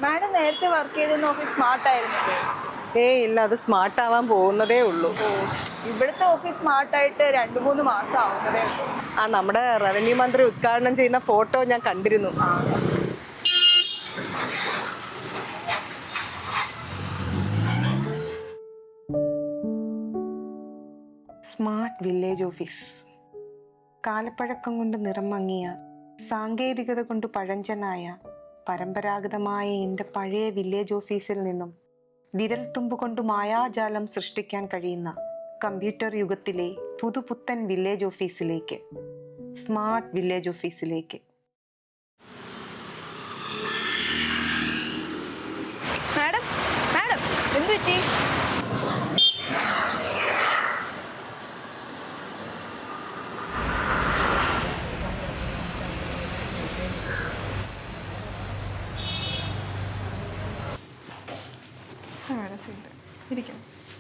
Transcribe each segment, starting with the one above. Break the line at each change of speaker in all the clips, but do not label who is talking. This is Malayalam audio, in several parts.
മാഡം നേരത്തെ വർക്ക് ചെയ്തിരുന്ന ഓഫീസ് സ്മാർട്ട് ആയിരുന്നില്ലേ?
ഇല്ല, അത് സ്മാർട്ട് ആവാൻ പോകുന്നതേ ഉള്ളൂ.
ഇവിടുത്തെ ഓഫീസ് സ്മാർട്ടായിട്ട് 2-3 മാസം ആവുന്നതേ ഉള്ളൂ.
നമ്മുടെ റവന്യൂ മന്ത്രി ഉദ്ഘാടനം ചെയ്യുന്ന ഫോട്ടോ ഞാൻ കണ്ടിരുന്നു. Smart village office. കാലപ്പഴക്കം കൊണ്ട് നിറം മങ്ങിയ, സാങ്കേതികത കൊണ്ട് പഴഞ്ചനായ, പരമ്പരാഗതമായ എൻ്റെ പഴയ വില്ലേജ് ഓഫീസിൽ നിന്നും വിരൽത്തുമ്പ് കൊണ്ട് മായാജാലം സൃഷ്ടിക്കാൻ കഴിയുന്ന കമ്പ്യൂട്ടർ യുഗത്തിലെ പുതുപുത്തൻ വില്ലേജ് ഓഫീസിലേക്ക്, സ്മാർട്ട് വില്ലേജ് ഓഫീസിലേക്ക്.
മാഡം മാഡം എന്ത് പറ്റി? ഇരിക്കും.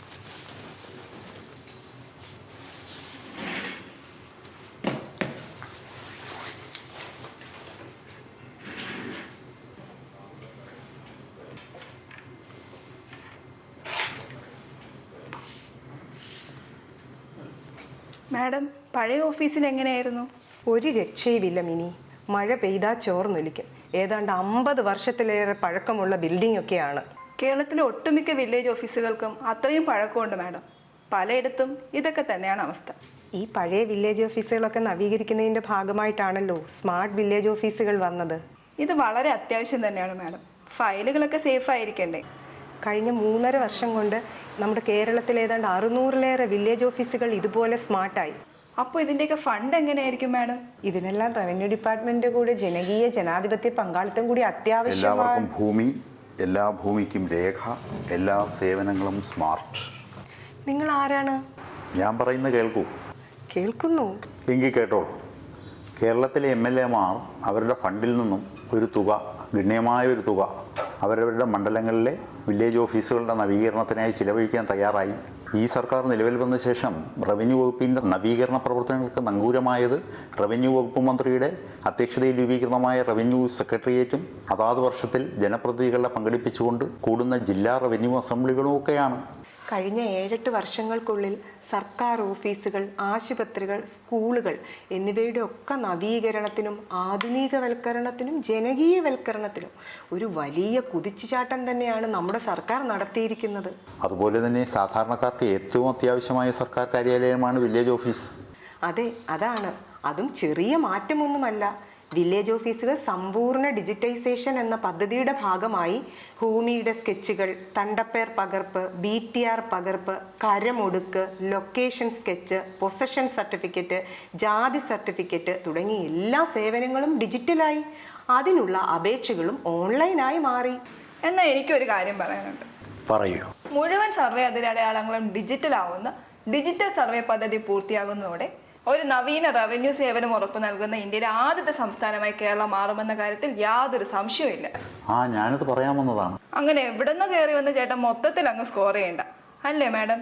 മാഡം, പഴയ ഓഫീസിൽ എങ്ങനെയായിരുന്നു?
ഒരു രക്ഷയുമില്ല മിനി. മഴ പെയ്താൽ ചോർന്നൊലിക്കും. ഏതാണ്ട് 50 വർഷത്തിലേറെ പഴക്കമുള്ള ബിൽഡിംഗ് ഒക്കെയാണ്.
കേരളത്തിലെ ഒട്ടുമിക്ക വില്ലേജ് ഓഫീസുകൾക്കും അത്രയും പഴക്കമുണ്ട് മാഡം. പലയിടത്തും ഇതൊക്കെ തന്നെയാണ് അവസ്ഥ.
ഈ പഴയ വില്ലേജ് ഓഫീസുകളൊക്കെ നവീകരിക്കുന്നതിൻ്റെ ഭാഗമായിട്ടാണല്ലോ സ്മാർട്ട് വില്ലേജ് ഓഫീസുകൾ വന്നത്.
ഇത് വളരെ അത്യാവശ്യം തന്നെയാണ് മാഡം. ഫയലുകളൊക്കെ സേഫ് ആയിരിക്കണ്ടേ?
കഴിഞ്ഞ 3.5 വർഷം കൊണ്ട് നമ്മുടെ കേരളത്തിൽ ഏതാണ്ട് 600-ലേറെ വില്ലേജ് ഓഫീസുകൾ ഇതുപോലെ സ്മാർട്ടായി.
അപ്പോൾ ഇതിൻ്റെയൊക്കെ ഫണ്ട് എങ്ങനെയായിരിക്കും മാഡം?
ഇതിനെല്ലാം റവന്യൂ ഡിപ്പാർട്ട്മെന്റിന്റെ കൂടെ ജനകീയ ജനാധിപത്യ പങ്കാളിത്തം കൂടി അത്യാവശ്യമാണ്.
എല്ലാവർക്കും ഭൂമി, എല്ലാ ഭൂമിക്കും രേഖ, എല്ലാ സേവനങ്ങളും സ്മാർട്ട്.
നിങ്ങൾ ആരാണ്?
ഞാൻ പറയുന്ന കേൾക്കൂ.
കേൾക്കുന്നു.
എങ്കിൽ കേട്ടോളൂ. കേരളത്തിലെ MLA-മാർ അവരുടെ ഫണ്ടിൽ നിന്നും ഒരു തുക, ഗണ്യമായ ഒരു തുക അവരവരുടെ മണ്ഡലങ്ങളിലെ വില്ലേജ് ഓഫീസുകളുടെ നവീകരണത്തിനായി ചിലവഴിക്കാൻ തയ്യാറായി. ഈ സർക്കാർ നിലവിൽ വന്ന ശേഷം റവന്യൂ വകുപ്പിൻ്റെ നവീകരണ പ്രവർത്തനങ്ങൾക്ക് നങ്കൂരമായത് റവന്യൂ വകുപ്പ് മന്ത്രിയുടെ അധ്യക്ഷതയിൽ രൂപീകൃതമായ റവന്യൂ സെക്രട്ടേറിയറ്റും അതാത് വർഷത്തിൽ ജനപ്രതിനിധികളെ പങ്കെടുപ്പിച്ചുകൊണ്ട് കൂടുന്ന ജില്ലാ റവന്യൂ അസംബ്ലികളും ഒക്കെയാണ്.
കഴിഞ്ഞ 7-8 വർഷങ്ങൾക്കുള്ളിൽ സർക്കാർ ഓഫീസുകൾ, ആശുപത്രികൾ, സ്കൂളുകൾ എന്നിവയുടെ ഒക്കെ നവീകരണത്തിനും ആധുനികവൽക്കരണത്തിനും ജനകീയവൽക്കരണത്തിനും ഒരു വലിയ കുതിച്ചുചാട്ടം തന്നെയാണ് നമ്മുടെ സർക്കാർ നടത്തിയിരിക്കുന്നത്.
അതുപോലെ തന്നെ സാധാരണക്കാർക്ക് ഏറ്റവും അത്യാവശ്യമായ സർക്കാർ കാര്യാലയമാണ് വില്ലേജ് ഓഫീസ്.
അതെ, അതാണ്. അതും ചെറിയ മാറ്റമൊന്നുമല്ല. വില്ലേജ് ഓഫീസുകൾ സമ്പൂർണ്ണ ഡിജിറ്റൈസേഷൻ എന്ന പദ്ധതിയുടെ ഭാഗമായി ഭൂമിയുടെ സ്കെച്ചുകൾ, തണ്ടപ്പേർ പകർപ്പ്, BTR പകർപ്പ്, കരമൊടുക്ക്, ലൊക്കേഷൻ സ്കെച്ച്, പൊസഷൻ സർട്ടിഫിക്കറ്റ്, ജാതി സർട്ടിഫിക്കറ്റ് തുടങ്ങിയ എല്ലാ സേവനങ്ങളും ഡിജിറ്റലായി. അതിനുള്ള അപേക്ഷകളും ഓൺലൈനായി മാറി.
എന്നാൽ എനിക്കൊരു കാര്യം പറയാനുണ്ട്.
പറയൂ.
മുഴുവൻ സർവേ അതിരടയാളങ്ങളും ഡിജിറ്റൽ ആവുന്ന ഡിജിറ്റൽ സർവേ പദ്ധതി പൂർത്തിയാകുന്നതോടെ ഒരു നവീന റവന്യൂ സേവനം ഉറപ്പു നൽകുന്ന ഇന്ത്യയിലെ ആദ്യത്തെ സംസ്ഥാനമായി കേരളം മാറുമെന്ന കാര്യത്തിൽ യാതൊരു സംശയവുമില്ല.
ഞാനത് പറയാമെന്നതാണ്.
അങ്ങനെ എവിടെന്നോ കയറി വന്ന ചേട്ടൻ മൊത്തത്തിൽ അങ്ങ് സ്കോർ ചെയ്യണ്ട, അല്ലേ മാഡം?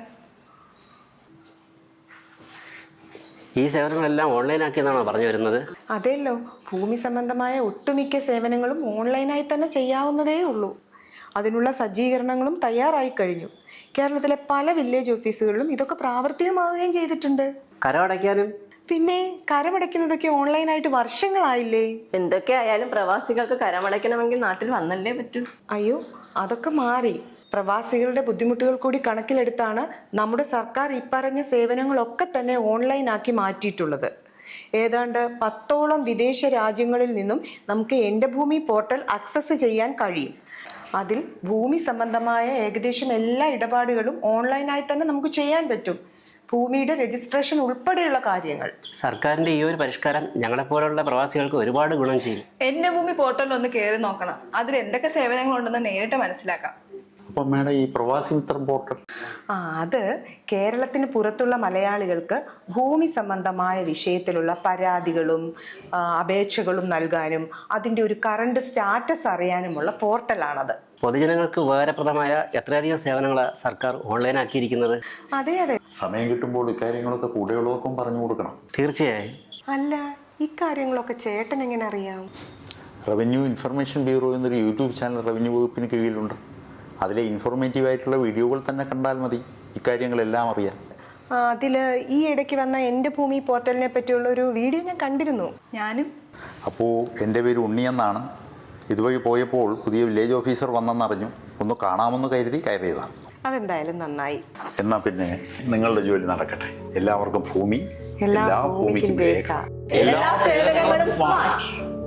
ഈ സേവനങ്ങളെല്ലാം ഓൺലൈനാക്കിയെന്നാണോ പറഞ്ഞു വരുന്നത്?
അതെല്ലോ, ഭൂമി സംബന്ധമായ ഒട്ടുമിക്ക സേവനങ്ങളും ഓൺലൈനായി തന്നെ ചെയ്യാവുന്നതേ ഉള്ളൂ. അതിനുള്ള സജ്ജീകരണങ്ങളും തയ്യാറായി കഴിഞ്ഞു. കേരളത്തിലെ പല വില്ലേജ് ഓഫീസുകളിലും ഇതൊക്കെ പ്രാവർത്തികമാവുകയും ചെയ്തിട്ടുണ്ട്.
കരമടയ്ക്കാനും?
പിന്നെ കരമടയ്ക്കുന്നതൊക്കെ ഓൺലൈനായിട്ട് വർഷങ്ങളായില്ലേ.
എന്തൊക്കെ ആയാലും പ്രവാസികൾക്ക് കരമടയ്ക്കണമെങ്കിൽ നാട്ടിൽ വന്നല്ലേ പറ്റൂ.
അയ്യോ, അതൊക്കെ മാറി. പ്രവാസികളുടെ ബുദ്ധിമുട്ടുകൾ കൂടി കണക്കിലെടുത്താണ് നമ്മുടെ സർക്കാർ ഇപ്പറഞ്ഞ സേവനങ്ങളൊക്കെ തന്നെ ഓൺലൈനാക്കി മാറ്റിയിട്ടുള്ളത്. ഏതാണ്ട് 10ഓളം വിദേശ രാജ്യങ്ങളിൽ നിന്നും നമുക്ക് എൻ്റെ ഭൂമി പോർട്ടൽ ആക്സസ് ചെയ്യാൻ കഴിയും. അതിൽ ഭൂമി സംബന്ധമായ ഏകദേശം എല്ലാ ഇടപാടുകളും ഓൺലൈനായി തന്നെ നമുക്ക് ചെയ്യാൻ പറ്റും. ഭൂമിയുടെ രജിസ്ട്രേഷൻ ഉൾപ്പെടെയുള്ള കാര്യങ്ങൾ.
സർക്കാരിന്റെ ഈ ഒരു പരിഷ്കാരം ഞങ്ങളെപ്പോലുള്ള പ്രവാസികൾക്ക് ഒരുപാട് ഗുണം ചെയ്യും.
എൻ്റെ ഭൂമി പോർട്ടലിൽ ഒന്ന് കയറി നോക്കണം. അതിൽ എന്തൊക്കെ സേവനങ്ങളുണ്ടെന്ന് നേരിട്ട് മനസ്സിലാക്കാം.
അപ്പം മേഡം, ഈ പ്രവാസി മിത്രം പോർട്ടൽ
അത് കേരളത്തിന് പുറത്തുള്ള മലയാളികൾക്ക് ഭൂമി സംബന്ധമായ വിഷയത്തിലുള്ള പരാതികളും അപേക്ഷകളും നൽകാനും അതിൻ്റെ ഒരു കറണ്ട് സ്റ്റാറ്റസ് അറിയാനുമുള്ള പോർട്ടലാണത്.
പൊതുജനങ്ങൾക്ക് ഉപകാരപ്രദമായ എത്രയധികം സേവനങ്ങളാണ് സർക്കാർ ഓൺലൈനാക്കിയിരിക്കുന്നത്.
അതെ അതെ.
സമയം കിട്ടുമ്പോൾ ഇക്കാര്യങ്ങളൊക്കെ കൂടെയുള്ളവർക്കും പറഞ്ഞു കൊടുക്കണം.
തീർച്ചയായും.
അല്ല, ഇക്കാര്യങ്ങളൊക്കെ ചേട്ടൻ എങ്ങനെ അറിയാം?
റവന്യൂ ഇൻഫർമേഷൻ ബ്യൂറോ എന്നൊരു യൂട്യൂബ് ചാനൽ റവന്യൂ വകുപ്പിന് കീഴിലുണ്ട്. അതിലെ ഇൻഫോർമേറ്റീവായിട്ടുള്ള വീഡിയോകൾ തന്നെ കണ്ടാൽ മതി ഇക്കാര്യങ്ങളെല്ലാം അറിയാം.
അതിൽ ഈ ഇടയ്ക്ക് വന്ന എൻ്റെ ഭൂമി പോർട്ടലിനെ പറ്റിയുള്ള ഒരു വീഡിയോ ഞാൻ കണ്ടിരുന്നു.
ഞാനും.
അപ്പോൾ എൻ്റെ പേര് ഉണ്ണിയെന്നാണ്. ഇതുവഴി പോയപ്പോൾ പുതിയ വില്ലേജ് ഓഫീസർ വന്നെന്നറിഞ്ഞു. ഒന്ന് കാണാമെന്ന് കരുതി കയറിയതാണ്.
അതെന്തായാലും നന്നായി.
എന്നാൽ പിന്നെ നിങ്ങളുടെ ജോലി നടക്കട്ടെ. എല്ലാവർക്കും ഭൂമി,
എല്ലാ
ഭൂമിക്കും
ഭൂമിക്കും
രേഖ.
എല്ലാ സേവനങ്ങളും സ്മാർട്ട്.